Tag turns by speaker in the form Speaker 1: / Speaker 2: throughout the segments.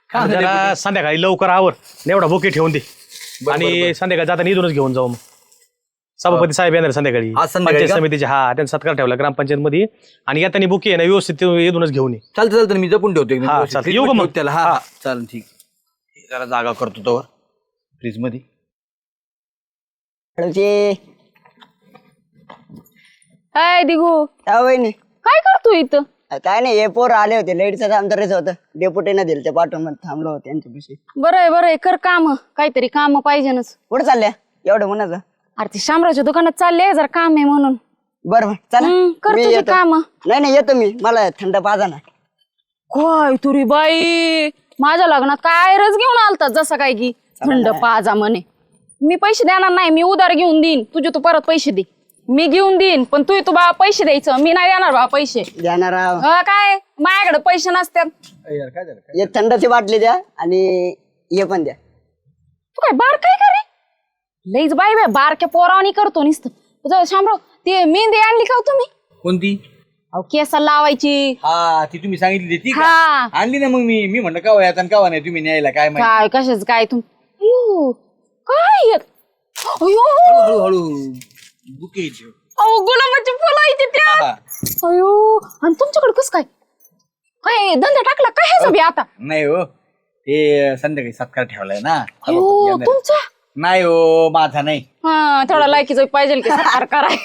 Speaker 1: जरा संध्याकाळी लवकर आवर एवढा बुके ठेवून दे आणि संध्याकाळी जाताना इथूनच घेऊन जाऊ मग. सभापती साहेब येणार संध्याकाळी पंचायत समितीचे. हा त्यांचा सत्कार ठेवला ग्रामपंचायत मध्ये आणि येताना बुके आहे ना व्यवस्थित इथूनच घेऊन ये.
Speaker 2: चालतं मी जपून ठेवतो
Speaker 1: येऊ का मग
Speaker 2: त्याला. हा चालेल ठीक. जरा जागा करतो तो फ्रीज मध्ये.
Speaker 3: हाय दिगू
Speaker 4: वहिनी
Speaker 3: काय करतो इथं?
Speaker 4: काय नाही हे पोर आले होते लाईटचं काम करायचं होतं डेप्युटीनं दिलं ते पाठवून थांबलो होतो त्यांच्यापाशी.
Speaker 3: बरं आहे कर काम काहीतरी काम पाहिजेनच.
Speaker 4: कुठं चालल्या एवढं म्हणाचं?
Speaker 3: अरे ते शामरावच्या दुकानात चालले जरा काम आहे म्हणून.
Speaker 4: बरं चला
Speaker 3: कर
Speaker 4: मी
Speaker 3: तुझी
Speaker 4: येतो.
Speaker 3: काम.
Speaker 4: नाही येतो मी मला थंड पाजा ना.
Speaker 3: काय तुरी बाई माझ्या लग्नात काय रस घेऊन आलतात जसं काय की थंड पाजा म्हणे. मी पैसे देणार नाही मी उधार घेऊन देईन तुझे तू परत पैसे दे. मी घेऊन देईन पण तू बा पैसे द्यायचं मी नाही देणार बा पैसे.
Speaker 4: देणार आहो.
Speaker 3: काय माझ्याकडे पैसे नसतात.
Speaker 4: एक थंडाची बाटली द्या आणि हे पण द्या.
Speaker 3: तू काय बार काय करे लईच बाई बाय बारक्या पोरावानी करतो नुसतं. शामराव ते मेहंदी आणली का हो तुम्ही?
Speaker 2: कोणती?
Speaker 3: अहो केसाला लावायची.
Speaker 2: हा ती तुम्ही सांगितली ती
Speaker 3: हा
Speaker 2: आणली ना. मग मी म्हणलं का वयात आणि का नाही तुम्ही न्यायला काय माहिती.
Speaker 3: काय कशाच काय अयो काय
Speaker 2: हळूहळू बुके.
Speaker 3: अहो गुलाबाची फुलं आहे त्यात. अयो आणि तुमच्याकडे कस काय काय धंदा टाकला काय ह्याचा बी आता?
Speaker 2: नाही हो ते संध्याकाळी सत्कार ठेवलाय ना.
Speaker 3: अयो तुमचा
Speaker 2: नाही हो माझा नाही.
Speaker 3: हा थोडा लायकीच पाहिजे की सत्कार कराय.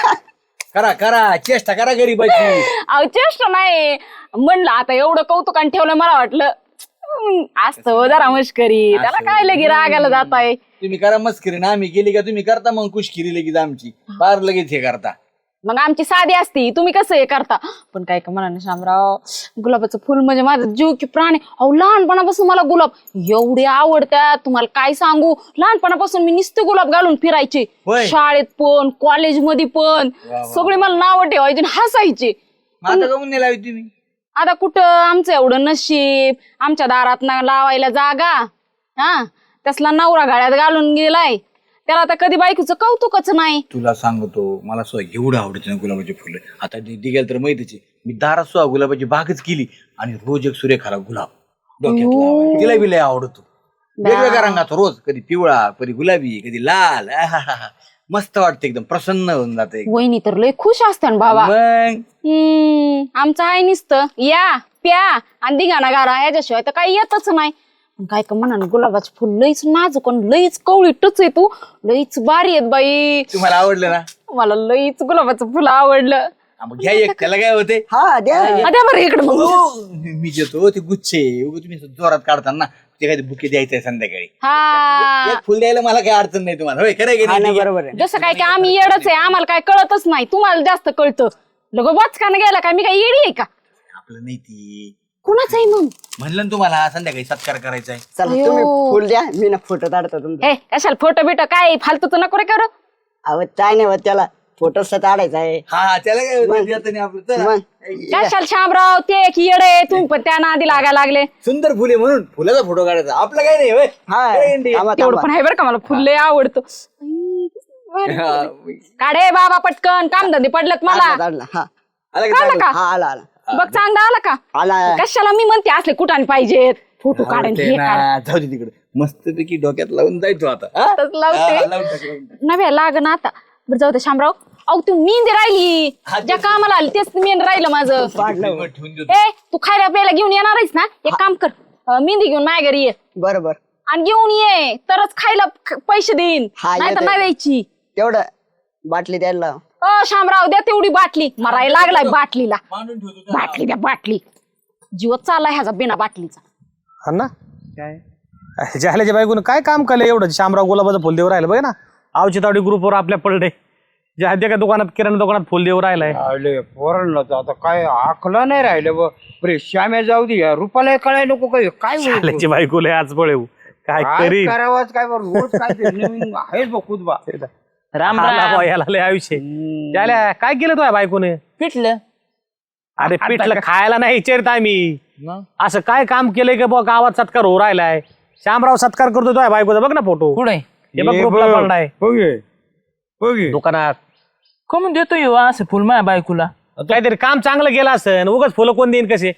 Speaker 2: करा चेष्टा करा गरीबाची.
Speaker 3: अहो चेष्टा नाही म्हणलं आता एवढं कौतुकान ठेवलं मला वाटलं असतं जरा मस्करी त्याला काय लगे रागायला जात आहे.
Speaker 2: तुम्ही करा मस्करी ना आम्ही केली का तुम्ही करता मग कुशकिरी लगेच आमची फार लगेच हे करता.
Speaker 3: मग आमची साधी असती तुम्ही कसं हे करता. पण काय का म्हणा शामराव गुलाबाचं फुल म्हणजे माझा जीव की प्राण आहे. अहो लहानपणापासून मला गुलाब एवढे आवडतात तुम्हाला काय सांगू. लहानपणापासून मी नुसते गुलाब घालून फिरायचे शाळेत पण कॉलेजमध्ये पण. सगळे मला नाव ठेवायचे हसायचे.
Speaker 2: तुम्ही
Speaker 3: आता कुठं आमचं एवढं नशीब आमच्या दारात लावायला जागा. हा तसला नवरा गाड्यात घालून गेलाय त्याला आता कधी बायकोचं कौतुकच नाही.
Speaker 2: तुला सांगतो मला सुद्धा एवढं आवडते ना गुलाबाची फुलं. आता दिदी गेल तर माहितीच मी दारात सुद्धा गुलाबाची बागच केली आणि रोज एक सुरेखाला गुलाब डोक्यात लावायचा. तिला बी लय आवडतो. वेगवेगळ्या रंगाचा रोज कधी पिवळा कधी गुलाबी कधी लाल. मस्त वाटतं एकदम प्रसन्न होऊन जाते.
Speaker 3: वहिनी तर लय खुश असते बाबा. आमचं आहे नुसतं या प्या आणि दिघाना गारा याच्याशिवाय तर काही येतच नाही. काय का म्हणा गुलाबाचं फुल लईच नाजूक लईच कवळी टच आहे तू लईच भारी आहेत बाई.
Speaker 2: तुम्हाला आवडलं ना?
Speaker 3: मला लईच गुलाबाचं फुल आवडलं.
Speaker 2: घ्या एक त्याला काय होते.
Speaker 4: हा द्या
Speaker 3: बरं इकडे
Speaker 2: मी देतो ते गुच्छे तुम्ही जोरात काढता ना ते काय बुके द्यायचंय संध्याकाळी.
Speaker 3: हा
Speaker 2: एक फुल द्यायला मला काही अडचण नाही तुम्हाला. होय खरं
Speaker 4: नाही बरोबर आहे.
Speaker 3: जसं काय की आम्ही येडच आहे आम्हाला काय कळतच नाही तुम्हाला जास्त कळतं. लगो वाचकानं गेला काय मी काय येडी आहे का?
Speaker 2: आपलं नाही ती
Speaker 3: कुणाच आहे मग
Speaker 2: म्हणलं ना तुम्हाला संध्याकाळी सत्कार करायचा आहे.
Speaker 4: चला तुम्ही फुल द्या मी ना फोटो काढतो तुमचा.
Speaker 3: ए कशाला फोटो बिटो काय फालतूच नको रे करू.
Speaker 4: अहो काय नाही होत त्याला फोटो काढायचा आहे.
Speaker 2: हा त्याला काय होतं आपलं. चला.
Speaker 3: कशाला शामराव ते की येडे तुम्ही पण त्या नादी लागायला लागले.
Speaker 2: सुंदर फुले म्हणून फुलाचा फोटो काढायचा आपला काय नाही.
Speaker 3: तेवढं पण आहे बरं का मला फुल लय आवडतं. काढे बाबा पटकन काम धंदे पडलेत मला. काढला का?
Speaker 4: आला आला
Speaker 3: बघ चांगला आला का?
Speaker 4: आला.
Speaker 3: कशाला मी म्हणते असले कुठाने पाहिजेत फोटो काढून
Speaker 2: जाऊ दे तिकडे मस्त पैकी डोक्यात लावून जायचो आता.
Speaker 3: लावते नव्हे लाग ना आता. बरं जाऊ दे शामराव. अहो तू मेहंदी राहिली ज्या कामाला आली तेच मेहंदी राहिलं माझं. ए तू खायला प्यायला घेऊन येणार आहेस ना एक काम कर मेहंदी घेऊन माझ्या घरी ये.
Speaker 4: बरोबर
Speaker 3: आणि घेऊन ये तरच खायला पैसे देईन नाही तर नाही द्यायची.
Speaker 4: तेवढं बाटली द्यायला.
Speaker 3: शामराव द्या तेवढी बाटली मरायला लागलाय बाटलीला. बाटली द्या बाटली जीवच चाललाय ह्याचा बिना बाटलीचा.
Speaker 1: हा ना काय जाहल्याच्या बायकोनं काय काम केलं एवढं. शामराव गुलाबाचं फुल देऊ राहिलं बघ ना. आवची तावडी ग्रुपवर आपल्या पडले ज्या का दुकानात किराणा दुकानात फुल देऊ राहिलाय.
Speaker 5: पोरांना तर आता काय आकला नाही राहिलं बरे. श्याम्या जाऊ दे रुपाला कळाय नको काय काय
Speaker 1: जाहल्याची बायकोला आज पळेव काय करी
Speaker 5: करावाच काय रोज काय नवीन आहेच बघ खुदबा.
Speaker 3: राम
Speaker 1: याला लय आयुष्य त्याला काय केलं तुझ्या बायकोने?
Speaker 3: पिटलं.
Speaker 1: अरे पिठलं खायला नाही विचारत आम्ही. असं काय काम केलंय की बघ गावात सत्कार हो राहिलाय. शामराव सत्कार करतो तुझ्या बायकोचा बघ ना फोटो.
Speaker 3: पुढे
Speaker 1: हे बघ ग्रुपला पडलाय दुकानात.
Speaker 6: कमून देतोय असं फुल माझ्या बायकोला?
Speaker 1: काहीतरी काम चांगलं केलं असं उगाच फुलं कोण देईन कसे.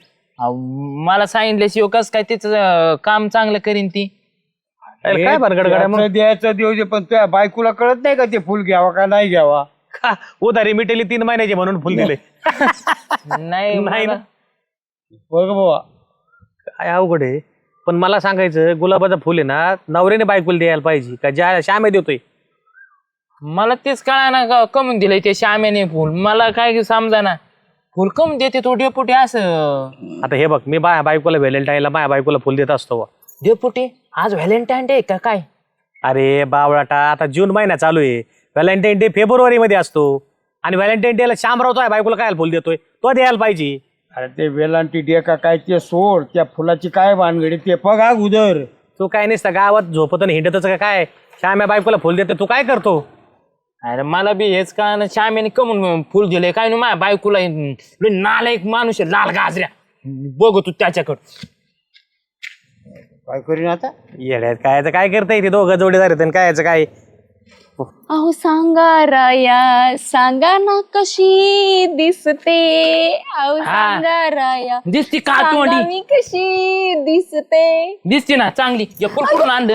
Speaker 6: मला सांगितल्याशिवाय कस काय तिचं काम चांगलं करीन ती.
Speaker 1: अरे काय भानगड गड्या मग?
Speaker 5: द्यायचं द्यायचं देऊ दे, पण तुझ्या बायकोला कळत नाही का ते फुल घ्यावा का नाही घ्यावा?
Speaker 1: का उधारी मिटेली 3 महिन्याची म्हणून फुल दिले.
Speaker 6: नाही
Speaker 1: नाही ना.
Speaker 6: मला-
Speaker 5: बघ बाबा,
Speaker 1: काय अवघड आहे. पण मला सांगायचं गुलाबाचं फुल आहे ना नवऱ्याने बायकोला द्यायला पाहिजे का ज्या श्यामे देतोय.
Speaker 6: मला तेच कळा ना कमून दिलंय ते श्यामेने फुल. मला काय समजा ना फुल कमून देते तो डेपुटी असं.
Speaker 1: आता हे बघ मी बायकोला व्हॅलेंटाईनला माझ्या बायकोला फुल देत असतो बुवा.
Speaker 6: डेपुटी आज व्हॅलेंटाईन डे का काय?
Speaker 1: अरे बावळाटा आता जून महिना चालू आहे. व्हॅलेंटाईन डे फेब्रुवारी मध्ये असतो आणि व्हॅलेंटाईन डे ला शामराव तो बायकोला काय फुल देतोय तो द्यायला पाहिजे.
Speaker 5: अरे ते वेलांटी डे का काय ते सोड, त्या फुलाची काय भानगडी ते बघा उदर.
Speaker 1: तू काय नसता गावात झोपत आणि हिंडतच का काय श्याम्या बायकोला फुल देते तू काय करतो.
Speaker 6: अरे मला बी हेच का ना श्यामेने कमून फुल दिलंय काय ना माझ्या बायकोला नालायक माणूस आहे लाल गाजऱ्या. बघ तू त्याच्याकडं
Speaker 5: काय करीन आता?
Speaker 1: येड्यात काय काय करता येते दोघं जोडीदार आहेत आणि काय याचं काय.
Speaker 3: अहो सांगा राया सांगा ना कशी दिसते. अहो सांगा राया
Speaker 6: दिसती का
Speaker 3: सांगा
Speaker 6: तोंडी
Speaker 3: मी कशी दिसते.
Speaker 6: दिसते ना चांगली. हे फुल कुठून आणलं?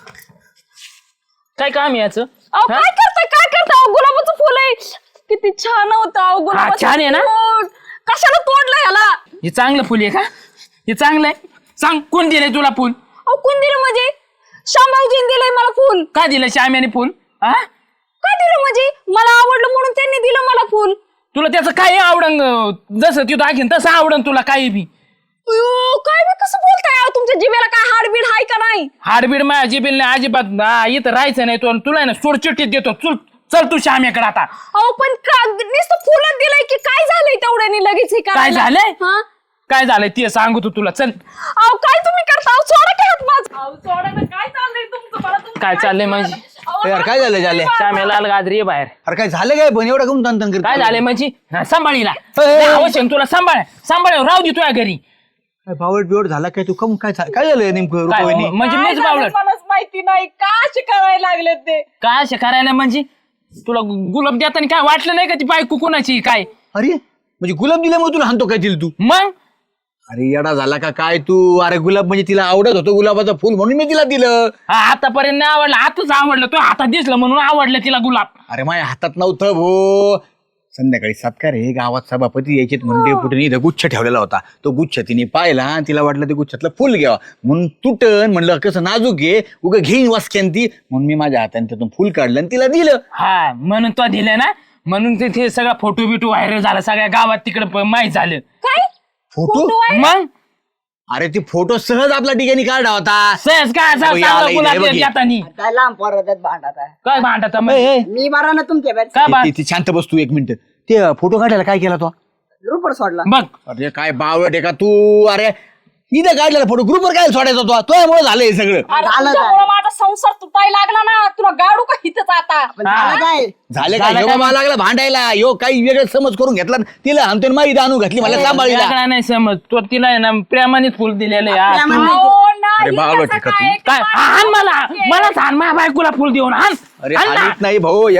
Speaker 6: काय काम आहे याचं?
Speaker 3: अहो काय करताय अहो, गुलाबाचं फुल आहे. किती छान होतं अहो गुलाबाचं
Speaker 6: छान आहे ना?
Speaker 3: फुल. कशाला तोडलं याला?
Speaker 6: हे चांगलं फुल आहे का? हे चांगलं आहे. सांग कोण दिलंय तुला फुल?
Speaker 3: अहो कोण दिलं म्हणजे? शामभाऊजीने दिलंय मला फुल.
Speaker 6: का दिलं श्याम्याने फुल? हा
Speaker 3: काय दिलं म्हणजे? मला आवडलं म्हणून त्यांनी दिलं मला फुल.
Speaker 6: तुला त्याचं काय आवडन जसं तू दाखीन तसं आवडन तुला काही बी.
Speaker 3: अयो, काय बी कसं बोलताय अहो? तुमच्या जिभेला काय हाडबीड आहे का नाही?
Speaker 6: हाडबीड माझ्या जिबील नाही अजिबात. इथं राहायचं नाही तो. तुला ना सोडचिट्टीत देतो. चल तू श्याम्याकडे आता.
Speaker 3: अहो पण नुसतं फुलच दिलंय की काय झालंय तेवढ्याने लगेच हे
Speaker 6: काय
Speaker 3: करायला?
Speaker 6: झालंय?
Speaker 3: हा?
Speaker 6: काय झालंय ते सांगू तू तुला. चल
Speaker 3: अहो काय तुम्ही करता? अहो सोडा की हात माझा. अहो सोडा ना, काय चाललंय तुमचं? मला तुमचं
Speaker 6: काय चाललंय म्हणजे?
Speaker 3: अहो,
Speaker 2: यार काय झालं झाले?
Speaker 6: श्याम्या लाल गाजरी आहे बाहेर.
Speaker 2: अरे काय झालं काय पण एवढं कमी तंतन करतो?
Speaker 6: काय झालंय म्हणजे? हा, सांभाळीला
Speaker 2: ए.
Speaker 6: अवश्य तुला सांभाळ राहू दे तुझ्या घरी.
Speaker 2: काय बावट बिवट झाला काय तू कम काय काय झालं नेमकं
Speaker 6: काय
Speaker 2: रुपये?
Speaker 6: म्हणजे
Speaker 3: काय
Speaker 6: मीच
Speaker 3: झालं
Speaker 6: बावळट
Speaker 3: मलाच माहिती नाही का असे करायला लागले ते.
Speaker 6: काय अशा करायला म्हणजे? तुला गुलाब देताना काय वाटलं नाही का ती बायको कुणाची काय?
Speaker 2: अरे म्हणजे गुलाब दिल्यामुळे तुला हाणतो काय दिलं तू?
Speaker 6: मग
Speaker 2: अरे येडा झाला का काय तू? अरे गुलाब म्हणजे तिला आवडत होतं गुलाबाचं फुल म्हणून मी तिला दिलं.
Speaker 6: आतापर्यंत नाही आवडलं. आताच आवडलं. तो हातात दिसलं म्हणून आवडलं तिला गुलाब.
Speaker 2: अरे माझ्या हातात नव्हतं भो. संध्याकाळी सत्कार आहे गावात सभापती यायचे म्हणून डेपुटीने इथं गुच्छ ठेवलेला होता. तो गुच्छ तिने पाहिला आणि तिला वाटलं ते गुच्छातलं फुल घ्यावा म्हणून तुटन म्हणलं कसं नाजूक घे उगं घेईन वासक्यान ती म्हणून मी माझ्या हाताने त्यातून फुल काढलं आणि तिला दिलं.
Speaker 6: हा म्हणून तो दिलं ना म्हणून तिथे सगळा फोटो बिटो व्हायरल झाला. सगळ्या गावात तिकडे माहीत झालं.
Speaker 3: काय
Speaker 2: फोटो?
Speaker 6: मग
Speaker 2: अरे ती फोटो सहज आपला ठिकाणी काढला होता.
Speaker 6: सहज काय असं
Speaker 2: अहो, याला
Speaker 6: चांगलं
Speaker 2: इथे
Speaker 6: गुलाब
Speaker 2: बघ हे.
Speaker 6: देतानी
Speaker 4: काय लांब पोरात भांडत आहे.
Speaker 6: काय भांडत म्हणजे?
Speaker 4: मी बरा ना तुमच्या बॅच
Speaker 6: काय भांड
Speaker 2: ती शांत बस तू एक मिनिट. ते फोटो काढायला काय केला तो?
Speaker 4: रुपड सोडला.
Speaker 6: बघ
Speaker 2: अरे काय बावट आहे का तू? अरे इथं काढलेला फोटो ग्रुपवर काय सोडायचा तो? तुझ्यामुळे झालं हे सगळं.
Speaker 3: अरे
Speaker 4: झालं
Speaker 3: तुझ्यामुळं माझा संसार तुटायला लागला ना. तुला गाडू का हिथच आता?
Speaker 4: पण झालं काय?
Speaker 2: झालं काय? ह्यो मला लागला भांडायला. यो काही वेगळं समज करून घेतला तिला आणतो माहिती आणू घातली मला सांभाळीला.
Speaker 6: वेगळा नाही समज. तो तिला आहे ना प्रेमाने फुल दिलेलं आहे. हा, तू-
Speaker 3: अहो, नाही,
Speaker 2: अरे बावळट
Speaker 3: तसं
Speaker 2: आहे का
Speaker 3: काय?
Speaker 6: काय हान मला हान माझ्या बायकोला फुल देऊन हान.
Speaker 2: अरे
Speaker 6: हाण ना.
Speaker 2: हानीत नाही भाऊ.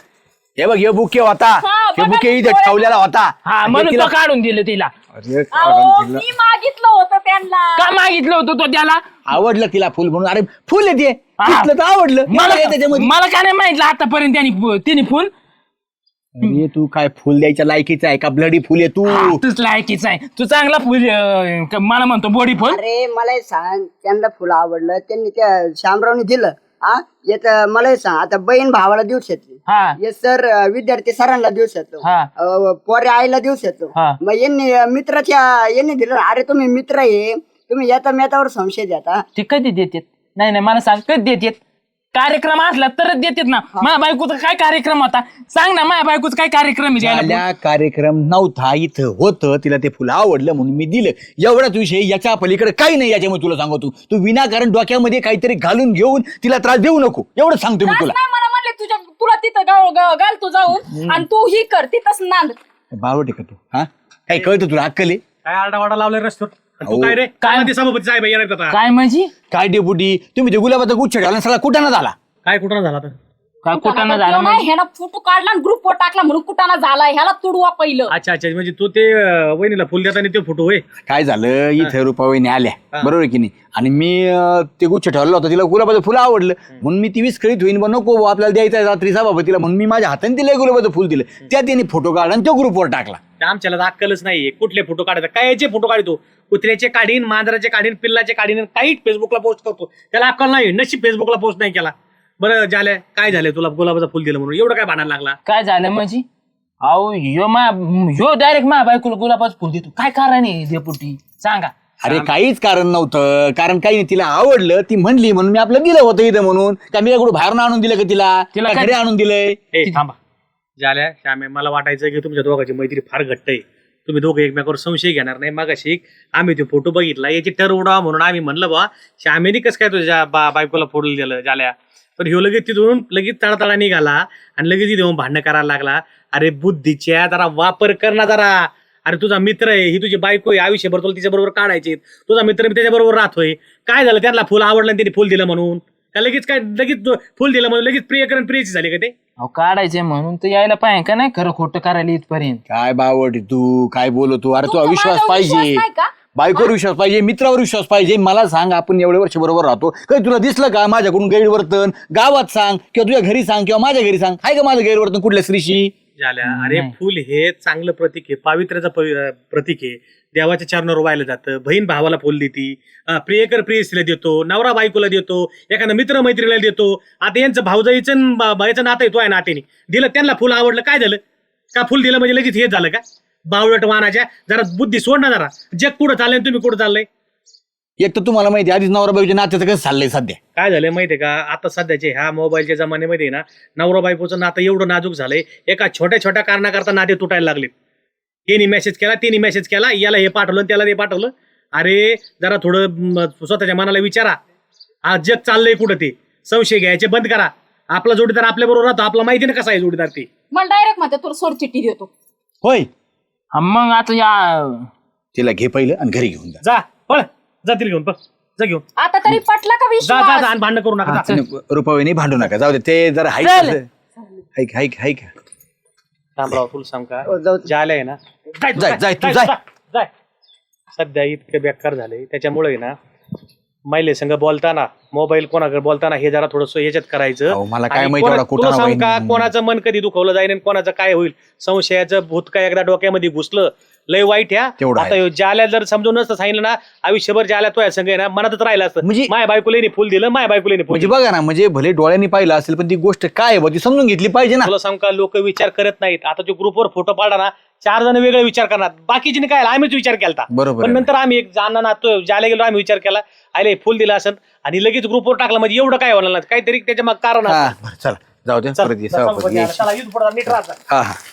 Speaker 2: हे बघ हे बुके होता. हे
Speaker 3: बघा
Speaker 2: बुके
Speaker 3: ते
Speaker 2: इथे
Speaker 3: डोळे.
Speaker 2: ठेवलेला होता.
Speaker 6: हा
Speaker 2: आणि
Speaker 6: म्हणून
Speaker 2: तिला-
Speaker 6: तो काढून दिलं तिला.
Speaker 2: अरे
Speaker 3: अहो,
Speaker 2: काढून दिलं.
Speaker 3: मी मागितलं होतं त्यांना.
Speaker 6: का मागितलं होतं तो त्याला?
Speaker 2: आवडलं तिला फुल म्हणून. अरे फुल येते दिसलं तर आवडलं.
Speaker 6: मला
Speaker 2: काय त्याच्यामध्ये?
Speaker 6: मला काय नाही माहितलं आतापर्यंत तिने फुल.
Speaker 2: अरे तू काय फुल द्यायच्या लायकीचा आहे का? ब्लडी फुल आहे तू.
Speaker 6: तूच लायकीच आहे. तू चांगला फुल मला म्हणतो बॉडी फुल.
Speaker 4: अरे मला एक सांग, त्यांना फुलं आवडलं त्यांनी त्या शामरावने दिलं. हा येत मला एक सांग, आता बहीण भावाला देऊ शकते.
Speaker 6: हा
Speaker 4: हे सर विद्यार्थी सरांना देऊ शकतो.
Speaker 6: हा.
Speaker 4: पोरे आईला देऊ शकतो.
Speaker 6: हा.
Speaker 4: मग यांनी दिलं. अरे तुम्ही मित्र आहे, तुम्ही येता मेतावर संशय द्या.
Speaker 6: ते कधी देतात? नाही मला सांग कधी देतात? कार्यक्रम असला तरच देतात ना. माझ्या बायकोचा काय कार्यक्रम होता सांग ना. माझ्या बायकोचा काय कार्यक्रम आहे द्यायला फुल?
Speaker 2: झाल्या कार्यक्रम नव्हता इथं होतं. तिला ते फुल आवडलं म्हणून मी दिलं. एवढाच विषय. याच्या पलीकडे काही नाही. याच्यामुळे तुला सांगतो तू विनाकारण डोक्यामध्ये काहीतरी घालून घेऊन तिला त्रास देऊ नको. एवढं सांगतो मी
Speaker 3: त्रास
Speaker 2: तुला.
Speaker 3: नाही मला म्हणले तुला तिथं घाल तू जाऊन आणि तू ही कर तिथंच नांद.
Speaker 2: बावट आहे का तू? हा काही कळतं तुला? अक्कल आहे?
Speaker 1: काय आरडावाडा लावलाय रस्त्यावर आणि तू
Speaker 2: अहो,
Speaker 1: काय रे
Speaker 6: काय?
Speaker 1: काय सभापती साहेब येणार आता?
Speaker 6: काय म्हणजे?
Speaker 2: काय डेपुटी तुम्ही ते गुलाबाचा गुच्छ ठेवला सगळा कुठं ना झाला?
Speaker 1: काय कुठं झाला तर
Speaker 6: काय कुठं झालं म्हणजे?
Speaker 3: ह्याला फोटो काढला आणि ग्रुपवर टाकला म्हणून कुठाना झाला ह्याला तुडवा पहिलं.
Speaker 1: अच्छा अच्छा, म्हणजे तू ते वहिनीला फुल देताना ते फोटो होय.
Speaker 2: काय झालं इथे रुपावहिनी आल्या बरोबर की नाही आणि मी ते गुच्छ ठेवलं होतं तिला गुलाबाचं फुलं आवडलं म्हणून मी ती विस्कळीत होईन बा नको बुवा, आपल्याला द्यायचं आहे रात्री सभापतीला म्हणून मी माझ्या हाताने तिला गुलाबाचं फुल दिलं त्या तिने फोटो काढला आणि तो ग्रुपवर टाकला.
Speaker 1: आमच्याला अक्कलच नाहीये कुठले फोटो काढायचा काय याचे फोटो काढतो कुत्र्याचे काढीन मांजराचे काढीन पिल्लाचे काढीन काही फेसबुकला पोस्ट करतो त्याला अक्कल नाही नशीब फेसबुकला पोस्ट नाही केला. बरं झालं काय झालं तुला गुलाबाचं फुल दिलं म्हणून एवढं काय भांडायला लागला.
Speaker 6: काय झालं म्हणजे अहो ह्यो डायरेक्ट माझ्या बायकोला गुलाबाचं फुल देतो काय कारण आहे डेपुटी सांगा.
Speaker 2: अरे काहीच कारण नव्हतं कारण काही नाही तिला आवडलं ती म्हणली म्हणून मी आपलं दिलं होतं इथं म्हणून का मी कुठं बाहेरून आणून दिलं का तिला
Speaker 6: काय-
Speaker 2: घरी आणून दिलंय.
Speaker 1: ए थांबा झाल्या श्यामे मला वाटायचं की तुमच्या दोघांची मैत्री फार घट्ट आहे तुम्ही दोघं एकमेकावर संशय घेणार नाही मागाशी आम्ही तो फोटो बघितला याची ठरवडा म्हणून आम्ही म्हणलं बा श्यामेने कसं काय तुझ्या बायकोला फोडून दिलं झाल्या पण ह्यो लगेच तिथून लगेच तळातळा निघाला आणि लगेच तिथे येऊन भांडणं करायला लागला. अरे बुद्धीच्या जरा वापर कर ना जरा. अरे तुझा मित्र आहे ही तुझी बायको आहे आयुष्यभर तुला तिच्या बरोबर काढायचे तुझा मित्र मी त्याच्याबरोबर राहतोय काय झालं त्यांना फुल आवडलं आणि त्यांनी फुल दिलं म्हणून का लगेच काय लगेच फुल दिलं म्हणून लगेच प्रियकरण प्रियची झाली का ते.
Speaker 6: अहो काढायचंय म्हणून तर यायला पाहिजे का नाही खरं खोटं करायला इथपर्यंत.
Speaker 2: काय बावट तू काय बोलतो अरे तुला
Speaker 3: तुमचा
Speaker 2: विश्वास
Speaker 3: माझ्यावर
Speaker 2: पाहिजे
Speaker 3: विश्वास नाही का?
Speaker 2: बायकोवर विश्वास पाहिजे मित्रावर विश्वास पाहिजे. मला सांग आपण एवढे वर्ष बरोबर राहतो काही तुला दिसलं का माझ्याकडून गैरवर्तन गावात सांग किंवा तुझ्या घरी सांग किंवा माझ्या घरी सांग आहे का माझं गैरवर्तन कुठल्या स्त्रीशी.
Speaker 1: झाल्या अरे फुल हे चांगलं प्रतीक आहे पावित्र्याचं प्रतीक आहे देवाच्या चरणावर वाहिलं जातं बहीण भावाला फुल देती प्रियकर प्रियसीला देतो नवरा बायकोला देतो एखादा मित्र मैत्रीला देतो. आता यांचं भाऊजाईचं भाईचं नातं येतो आहे नात्याने दिलं त्यांना फुल आवडलं काय झालं का फुल दिलं म्हणजे लगेच हेच झालं का बावळट वाहनाच्या जरा बुद्धी सोड ना जरा जग कुठं चाललंय तुम्ही कुठं चाललंय.
Speaker 2: एक तर तुम्हाला माहिती आधीच नवरा बायकोच्या नात्याचं कसं चाललंय सध्या.
Speaker 1: काय झालंय माहितीये का आता सध्याचे ह्या मोबाईलच्या जमान्यामध्ये ना नवरा बायकोचं नातं एवढं नाजूक झालंय एका छोट्या छोट्या कारणाकरता नाते तुटायला लागलेत. यांनी मेसेज केला तिने मेसेज केला याला हे पाठवलं त्याला ते पाठवलं. अरे जरा थोडं स्वतःच्या मनाला विचारा आज जग चाललंय कुठं ते संशय घ्यायचे बंद करा. आपला जोडीदार आपल्या बरोबर राहतो आपला माहिती ना कसा आहे जोडीदार ते.
Speaker 3: मला डायरेक्ट म्हणते तुला सोड चिठ्ठी देतो.
Speaker 2: होय
Speaker 6: हा, मग आता या
Speaker 2: तिला घे पहिलं आणि घरी घेऊन जा.
Speaker 1: जा पळ जा तिला घेऊन पळ जा घेऊन
Speaker 3: आता तरी पटला का
Speaker 1: जा जा
Speaker 3: विश्वास.
Speaker 1: जा आणि भांडण करू नका जा.
Speaker 2: रुपयाने भांडू नका जाऊ दे ते जरा हाईक हाईक हाईक हाईक
Speaker 1: थांबराव तुला सांग का
Speaker 4: हो, जाऊ दे.
Speaker 1: जायला आहे ना
Speaker 2: जाय, तू जाय.
Speaker 1: जाय सध्या इतकं बेकार झालंय त्याच्यामुळे ना मैले संघ बोलताना मोबाईल कोणाकडे बोलताना हे जरा थोडस ह्याच्यात करायचं.
Speaker 2: अहो, मला काय
Speaker 1: आणि
Speaker 2: माहिती एवढा
Speaker 1: तुला
Speaker 2: कुटाणा
Speaker 1: सांग का
Speaker 2: होईल.
Speaker 1: कोणाचं मन कधी दुखवलं जाईल आणि कोणाचं काय होईल संशयाचं भूत काय एकदा डोक्यामध्ये घुसलं लय वाईट ह्या.
Speaker 2: तेवढं
Speaker 1: आता ह्यो ज्याला जर समजून नसतं सांगितलं ना आयुष्यभर ज्याला तो संघ आहे ना मनातच राहिला असतं
Speaker 2: म्हणजे-
Speaker 1: माय बायकोले फुल दिलं माय बायकोले फुल
Speaker 2: म्हणजे
Speaker 1: दिलं.
Speaker 2: बघा ना म्हणजे भले डोळ्यांनी पाहिलं असेल पण ती गोष्ट काय आहे बुवा ती समजून घेतली पाहिजे ना.
Speaker 1: तुला सांग का लोक विचार करत नाहीत आता जो ग्रुपवर फोटो पाडला ना 4 जण वेगळे विचार करणार बाकीचे काय आम्हीच विचार केला
Speaker 2: बरोबर
Speaker 1: पण
Speaker 2: आहे.
Speaker 1: नंतर आम्ही एक जाणं ना तो ज्याला गेलो आम्ही विचार केला आले फुल दिला असं आणि लगेच ग्रुपवर टाकला म्हणजे एवढं काय होणार नाही काहीतरी त्याच्या मग कारण
Speaker 2: हा
Speaker 1: असतं.
Speaker 2: बरं, चला जाऊ दे
Speaker 1: चल,
Speaker 2: परत ये,
Speaker 1: चल,
Speaker 2: सभापती
Speaker 1: चल,
Speaker 2: ये.
Speaker 1: चला, इथं पुढं नीट राहा.
Speaker 2: हा हा